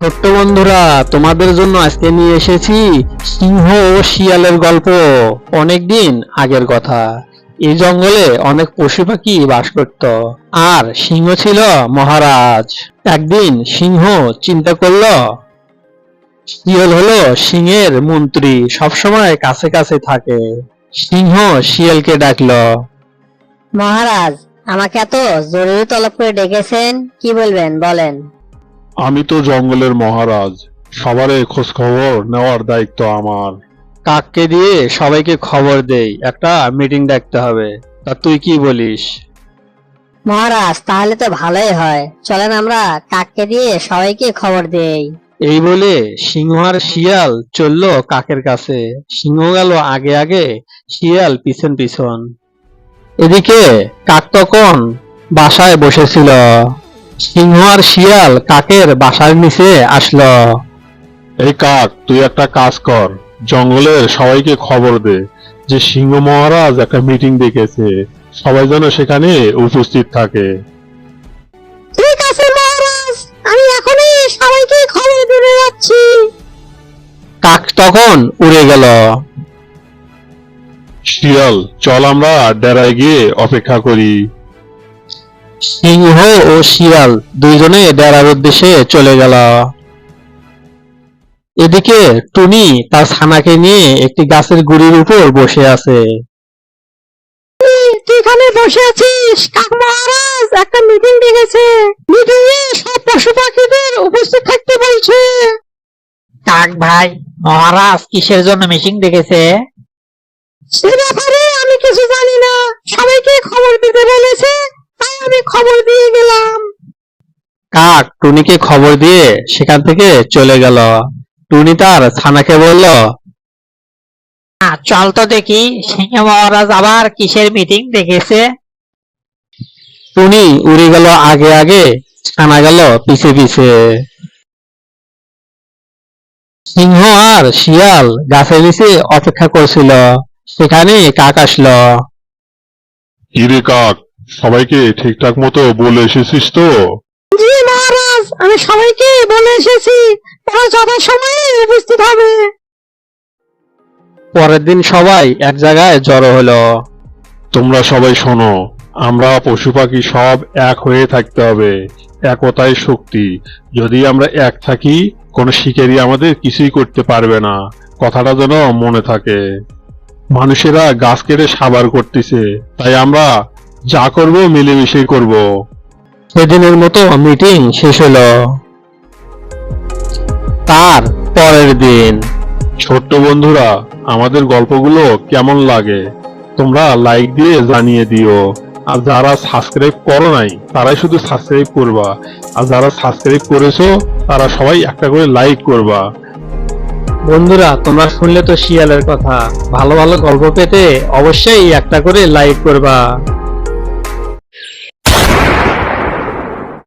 ছোট্ট বন্ধুরা, তোমাদের জন্য আজকে নিয়ে এসেছি সিংহ ও শিয়ালের গল্প। অনেকদিন আগের কথা। এই জঙ্গলে অনেক পশু পাখি বাস করত, আর সিংহ ছিল মহারাজ। একদিন সিংহ চিন্তা করলো, শিয়াল হলো সিংহের মন্ত্রী, সবসময় কাছে কাছে থাকে। সিংহ শিয়ালকে ডাকলো। মহারাজ, আমাকে এত জরুরি তলব করে ডেকেছেন, কি বলবেন বলেন। আমি তো জঙ্গলের মহারাজ, সবারই খোঁজ খবর নেওয়ার দায়িত্ব আমার। কাককে দিয়ে সবাইকে খবর দেই, একটা মিটিং ডাকতে হবে। তা তুই কি বলিস? মহারাজ, তাহলে তো ভালোই হয়, চলেন আমরা কাককে দিয়ে সবাইকে খবর দেই। এই বলে সিংহ আর শিয়াল চললো কাকের কাছে। সিংহ গেল আগে আগে, শিয়াল পিছন পিছন। এদিকে কাক তখন বাসায় বসেছিল। সিংহ আর শিয়াল কাকের বাসার নিচে আসলো। এই কাক, তুই একটা কাজ কর, জঙ্গলের সবাইকে খবর দে যে সিংহ মহারাজ একটা মিটিং ডেকেছে, সবাই যেন সেখানে উপস্থিত থাকে। ঠিক আছে মহারাজ, আমি এখনই সবাইকে খবর দিতে যাচ্ছি। কাক তখন উড়ে গেল। শিয়াল, চল আমরা ডেরায় গিয়ে অপেক্ষা করি। সিংহ ও শিয়াল দুইজনে ডেরার উদ্দেশ্যে চলে গেল। এদিকে টুনি তার ছানাকে নিয়ে একটি গাছের গুড়ির উপর বসে আছে। তুই এখানে বসে আছিস? কাক মহারাজ একটা মিটিং ডেকেছে, মিটিং এ সব পশু পাখিদের উপস্থিত থাকতে বলছে। কাক ভাই, মহারাজ কিসের জন্য মিটিং ডেকেছে? সে ব্যাপারে আমি কিছু জানি না, সবাইকে খবর দিতে বলেছে, তাই আমি খবর দিয়ে গেলাম। কাক টুনিকে খবর দিয়ে সেখান থেকে চলে গেল। টুনি তার ছানাকে বলল, চল তো দেখি সিংহ মহারাজ আবার কিসের মিটিং ডেকেছে। টুনি উড়ে গেল আগে আগে, ছানা গেল পিছে পিছে। সিংহ আর শিয়াল গাছের নিচে অপেক্ষা করছিল, সেখানে কাক আসলো। কিরে কাক, সবাইকে ঠিকঠাক মতো বলে এসেছিস তো? জি মহারাজ, আমি সবাইকে বলে এসেছি, তারা যথাসময়ে উপস্থিত হবে। পরের দিন সবাই এক জায়গায় জড়ো হলো। তোমরা সবাই শোনো, আমরা পশু পাখি সব এক হয়ে থাকতে হবে, একতাই শক্তি। যদি আমরা এক থাকি, কোনো শিকারী আমাদের কিছুই করতে পারবে না, কথাটা যেন মনে থাকে। মানুষেরা গাছ কেটে সাবার করতেছে, তাই আমরা যা করব মিলেমিশে করব। সেদিনের মতো মিটিং শেষ হলো। তার পরের দিন। ছোট্ট বন্ধুরা, আমাদের গল্পগুলো কেমন লাগে তোমরা লাইক দিয়ে জানিয়ে দিও। আর যারা সাবস্ক্রাইব করো নাই, তারাই শুধু সাবস্ক্রাইব করবা, আর যারা সাবস্ক্রাইব করেছো তারা সবাই একটা করে লাইক করবা। বন্ধুরা, তোমরা শুনলে তো শিয়ালের কথা, ভালো ভালো গল্প পেতে অবশ্যই একটা করে লাইক করবা।